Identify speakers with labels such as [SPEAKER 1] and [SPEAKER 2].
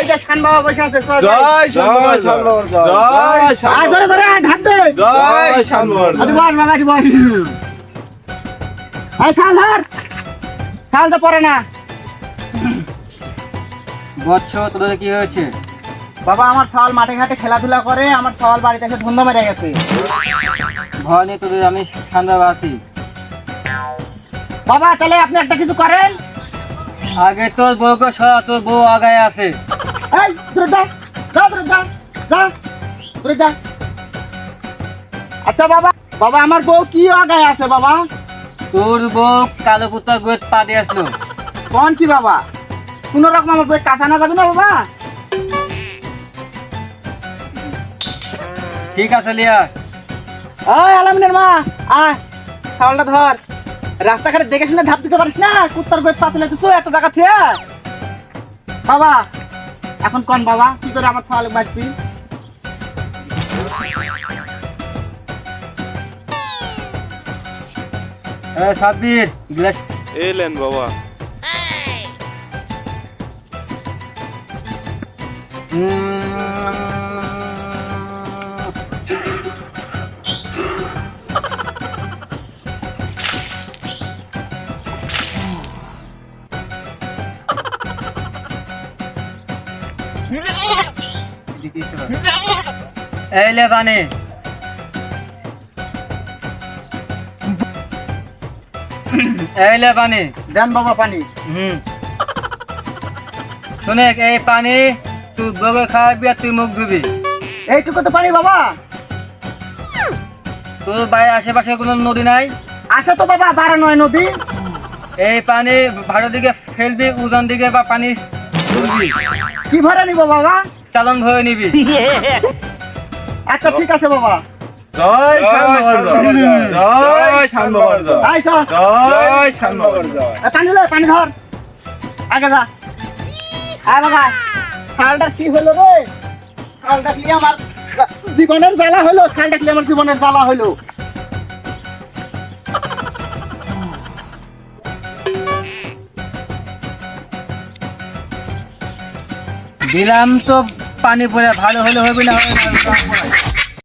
[SPEAKER 1] যে শান বাবা বসে আছে
[SPEAKER 2] জয় শানবাবার জয়
[SPEAKER 1] আয় ধরে ধরে ঢাক দে
[SPEAKER 2] জয় শানবাবার
[SPEAKER 1] আদি বস বাবা আদি বস আয় শাল ধর শাল তো পরে না
[SPEAKER 3] বৎস তোদের কি হয়েছে?
[SPEAKER 1] বাবা আমার শাল মাঠে ঘাটে খেলাধুলা করে আমার শাল বাড়িতে এসে ধুন্দা মেরে গেছে
[SPEAKER 3] ভয় নেই তোদের, আমি শানবাবা আছি।
[SPEAKER 1] বাবা তাহলে আপনি একটা কিছু করেন
[SPEAKER 3] আগে তোর বউকে সরা, তোর বউ আগায় আছে।
[SPEAKER 1] এই দূরে যা যা দূরে যা যা দূরে যা আচ্ছা বাবা বাবা আমার বউ কি আগায় আছে বাবা
[SPEAKER 3] তোর বউ কালো কুত্তা গোয়েত পা দিয়ে আসলো।
[SPEAKER 1] কোন কি বাবা কোন রকম আমার বউ কাঁচা না যাবে না বাবা
[SPEAKER 3] ঠিক আছে লিয়া।
[SPEAKER 1] ওই আলামিনের মা আয় শাওলটা ধর রাস্তাঘাটে দেখে শুনে ধাপ দিতে পারিস না কুত্তার গোয়েত পাতলে তুই এত জায়গা থেকে বাবা এখন কোন বাবা কি করে আমার শাওল বাঁচবি
[SPEAKER 3] সাব্বির গ্লাস
[SPEAKER 2] এলেন বাবা
[SPEAKER 3] এই লে পানি। এই লে পানি।
[SPEAKER 1] দেন বাবা পানি
[SPEAKER 3] শুনে এই পানি তুই বউকে খাওয়াবি আর তুই মুখ ধুবি।
[SPEAKER 1] এইটুকু তো পানি বাবা
[SPEAKER 3] তোর বাড়ির আশেপাশে কোনো নদী নাই?
[SPEAKER 1] আছে তো বাবা 12 নদী
[SPEAKER 3] এই পানি ভাড়ার দিকে ফেলবি, উজান দিকে বা পানি তুলবি,
[SPEAKER 1] কি ভরে নিব বাবা
[SPEAKER 3] চালন ভরে নিবি।
[SPEAKER 1] আচ্ছা ঠিক আছে বাবা
[SPEAKER 2] জয় শানবাবার জয় শানবাবার
[SPEAKER 1] আয় চল
[SPEAKER 2] জয় শানবাবার জয়
[SPEAKER 1] পানি লে পানি ধর আগে যা আয় বাবা শালটা কি হলো রে শালটা কি আমার জীবনের জ্বালা হলো শালটা কি আমার জীবনের জ্বালা হলো
[SPEAKER 3] দিলাম তো পানি পড়ে, ভালো হলে হবে না হবে না